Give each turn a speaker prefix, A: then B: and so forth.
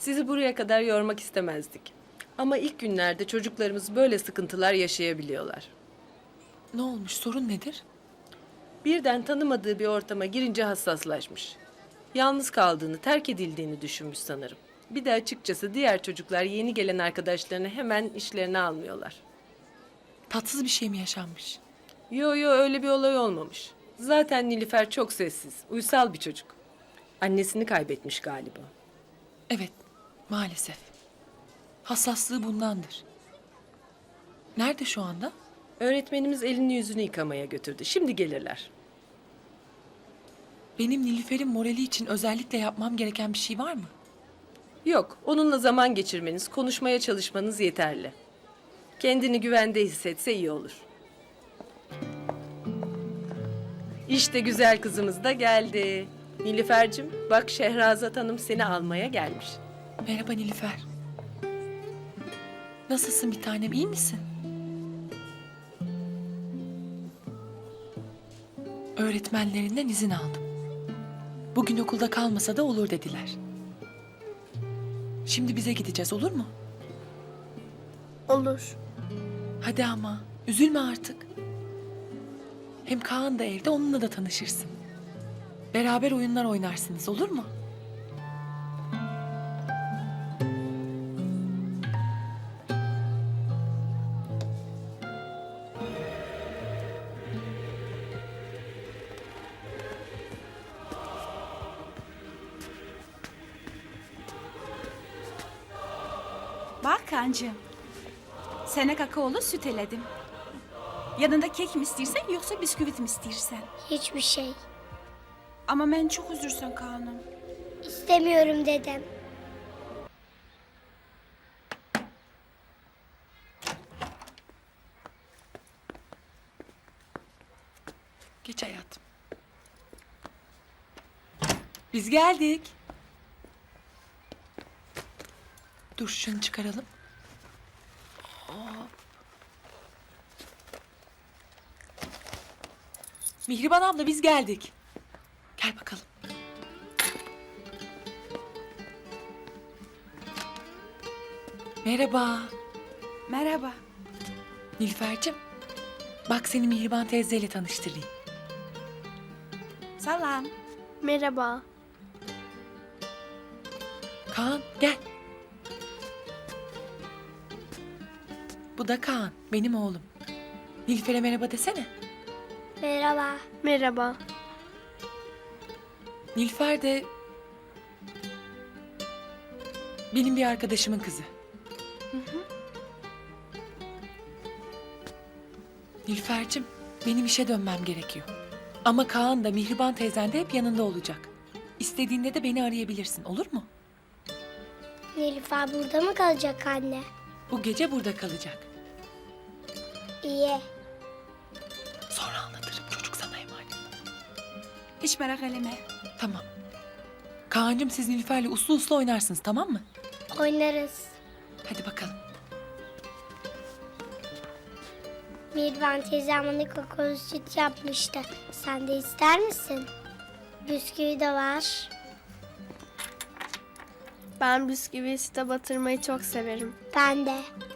A: Sizi buraya kadar yormak istemezdik. Ama ilk günlerde çocuklarımız böyle sıkıntılar yaşayabiliyorlar.
B: Ne olmuş? Sorun nedir?
A: Birden tanımadığı bir ortama girince hassaslaşmış. Yalnız kaldığını, terk edildiğini düşünmüş sanırım. Bir de açıkçası diğer çocuklar yeni gelen arkadaşlarını hemen işlerine almıyorlar.
B: Tatsız bir şey mi yaşanmış?
A: Yo öyle bir olay olmamış. Zaten Nilüfer çok sessiz, uysal bir çocuk. Annesini kaybetmiş galiba.
B: Evet, maalesef. Hassaslığı bundandır. Nerede şu anda?
A: Öğretmenimiz elini yüzünü yıkamaya götürdü. Şimdi gelirler.
B: Benim Nilüfer'in morali için özellikle yapmam gereken bir şey var mı?
A: Yok, onunla zaman geçirmeniz, konuşmaya çalışmanız yeterli. Kendini güvende hissetse iyi olur. İşte güzel kızımız da geldi. Nilüfer'cim, bak Şehrazat Hanım seni almaya gelmiş.
B: Merhaba Nilüfer. Nasılsın bir tanem, iyi misin? Öğretmenlerinden izin aldım. Bugün okulda kalmasa da olur dediler. Şimdi bize gideceğiz, olur mu?
C: Olur.
B: Hadi ama, üzülme artık. Hem Kaan da evde, onunla da tanışırsın. Beraber oyunlar oynarsınız, olur mu?
D: Bak kancığım. Sana kakaolu süt eledim. Yanında kek mi istersen yoksa bisküvit mi istersen?
C: Hiçbir şey.
D: Ama ben çok üzülsen Kaan'ım.
C: İstemiyorum dedem.
B: Geç hayatım. Biz geldik. Dur şunu çıkaralım. Hop. Mihriban abla biz geldik. Gel bakalım. Merhaba.
D: Merhaba.
B: Nilüfer'cim. Bak seni Mihriban teyzeyle tanıştırayım.
D: Selam.
C: Merhaba.
B: Kaan gel. Bu da Kaan, benim oğlum. Nilüfer'e merhaba desene.
C: Merhaba. Merhaba.
B: Nilüfer de benim bir arkadaşımın kızı. Nilüfer'cim, benim işe dönmem gerekiyor. Ama Kaan da Mihriban teyzen de hep yanında olacak. İstediğinde de beni arayabilirsin, olur mu?
C: Nilüfer burada mı kalacak anne?
B: Bu gece burada kalacak.
C: İyi.
B: Sonra anlatırım, çocuk sana emanet.
D: Hiç merak etme.
B: Tamam. Kaan'cığım siz Nilüfer'le uslu uslu oynarsınız, tamam mı?
C: Oynarız.
B: Hadi bakalım.
C: Mirvan teyzem bana kakaolu süt yapmıştı. Sen de ister misin? Bisküvi de var.
E: Ben bisküviyi süte batırmayı çok severim.
C: Ben de.